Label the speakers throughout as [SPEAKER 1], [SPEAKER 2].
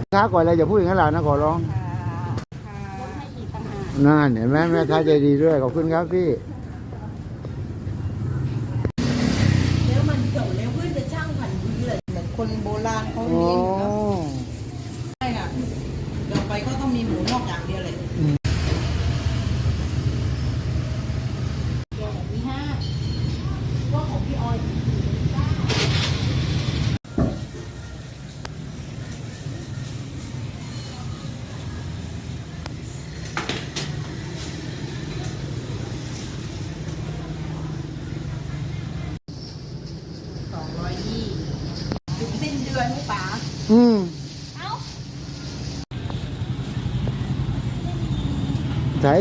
[SPEAKER 1] ค้าก่อนเลยอย่าพูดอย่างนั้นหล่ะนะขอร้อง
[SPEAKER 2] ลดให้อีกต่างหาก
[SPEAKER 1] น่าเห็นไหมแม่ค้าใจดีด้วยขอบคุณครับพี่
[SPEAKER 3] แล้วมันเก่าแล้วเพื่อนจะช่างผันดีเลยเหมือนคนโบราณเขาเลี้ยงเนาะใช่ค่ะเราไปก็ต้องมีหมูนอกอย่างเดียวเลย
[SPEAKER 2] มี5ว่าของพี่ออย
[SPEAKER 3] ถึงสิ้นเดือนหมูป่า
[SPEAKER 2] เอ้า
[SPEAKER 1] ใช่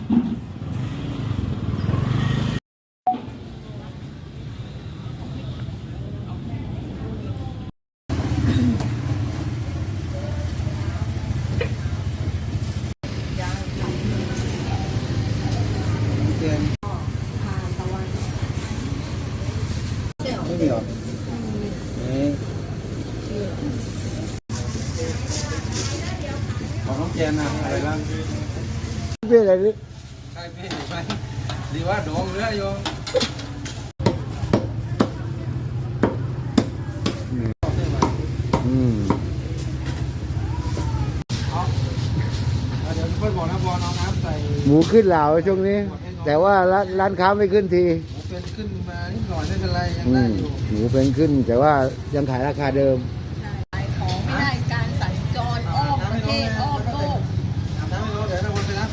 [SPEAKER 1] ไม่มีหรอ
[SPEAKER 4] ของน้องแจนนะอะไรบ้าง
[SPEAKER 1] พี่อะไรนี่
[SPEAKER 4] ใช่พี่ไปดีว่าดองเรือโยม
[SPEAKER 1] อืม
[SPEAKER 4] เดี๋ยวค่อยบอกนะบอลเอาน้ำใส่
[SPEAKER 1] หมูขึ้นเหล่าช่วงนี้ แต่ว่าร้านค้าไม่ขึ้นที
[SPEAKER 4] หมูเป็นขึ้นมานิดหน่อยไม่เป็นไรยัง
[SPEAKER 1] อื
[SPEAKER 4] ได้
[SPEAKER 1] ม
[SPEAKER 4] อยู่
[SPEAKER 1] หมูเป็นขึ้น แต่ว่ายังขายราคาเดิม
[SPEAKER 3] ขายของไม่ได้การสัญจรอ้อมประเทศอ้อมโลก
[SPEAKER 4] อาบน้ำให้น้องเดี๋ยวนะวนไปนะ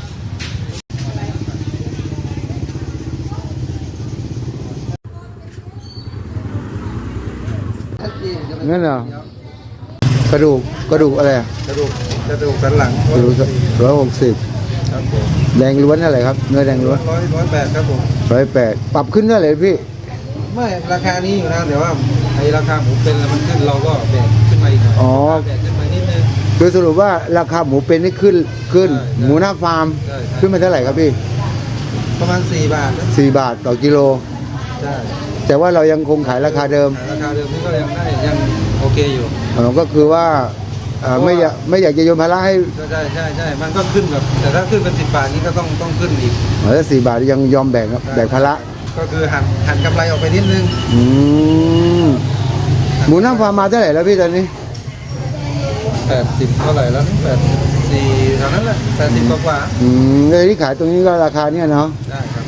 [SPEAKER 1] งั้นเหรอกระดูกอะไรอ่ะ
[SPEAKER 4] กระดูกสันหลัง
[SPEAKER 1] กระดูก160
[SPEAKER 4] ครับผม
[SPEAKER 1] แดงล้วนเท่าไหร่ครับเนื้อแดงล้วน
[SPEAKER 4] 108ครับผม
[SPEAKER 1] 108ปรับขึ้นเท่าไหร่พี่
[SPEAKER 4] ไม่ราคานี้อยู่นะแต่ว่าไอ้ราคาหมูเป็นแล้วมันขึ้นเราก็แบกขึ้นมาอีกหน่อย
[SPEAKER 1] อ๋อ
[SPEAKER 4] แบกขึ้นมานิดนึง
[SPEAKER 1] คือสรุปว่าราคาหมูเป็นนี่ขึ้น
[SPEAKER 4] ใช่
[SPEAKER 1] หมูหน้าฟาร์ม
[SPEAKER 4] ใช่
[SPEAKER 1] ขึ้นมาเท่าไหร่ครับพี่
[SPEAKER 4] ประมาณ4 บาทนะ
[SPEAKER 1] 4 บาทต่อกิโล
[SPEAKER 4] ใช่
[SPEAKER 1] แต่ว่าเรายังคงขายราคาเดิม
[SPEAKER 4] ราคาเดิมนี่ก็ยังได้ยังโอเคอยู่
[SPEAKER 1] ก็คือว่าไม่อยากจะโยนภาระให้
[SPEAKER 4] ใช่มันก็ขึ้นแบบแต่ถ้าขึ้นเป็น10 บาทนี้ก็ต้องขึ้นอีก
[SPEAKER 1] ถ้า4 บาทยังยอมแบ่งครับแบ่งภาระ
[SPEAKER 4] ก็คือหันกำไรออกไปนิดนึง
[SPEAKER 1] อืมหมูหน้าฟาร์มมาเท่าไหร่แล้วพี่ตอนนี้
[SPEAKER 4] 80เท่าไหร่แล้ว84เท่านั้นแหละ80กว่า
[SPEAKER 1] เลยที่ขายตรงนี้ก็ราคาเนี่ยเนาะ
[SPEAKER 4] ได้ครับ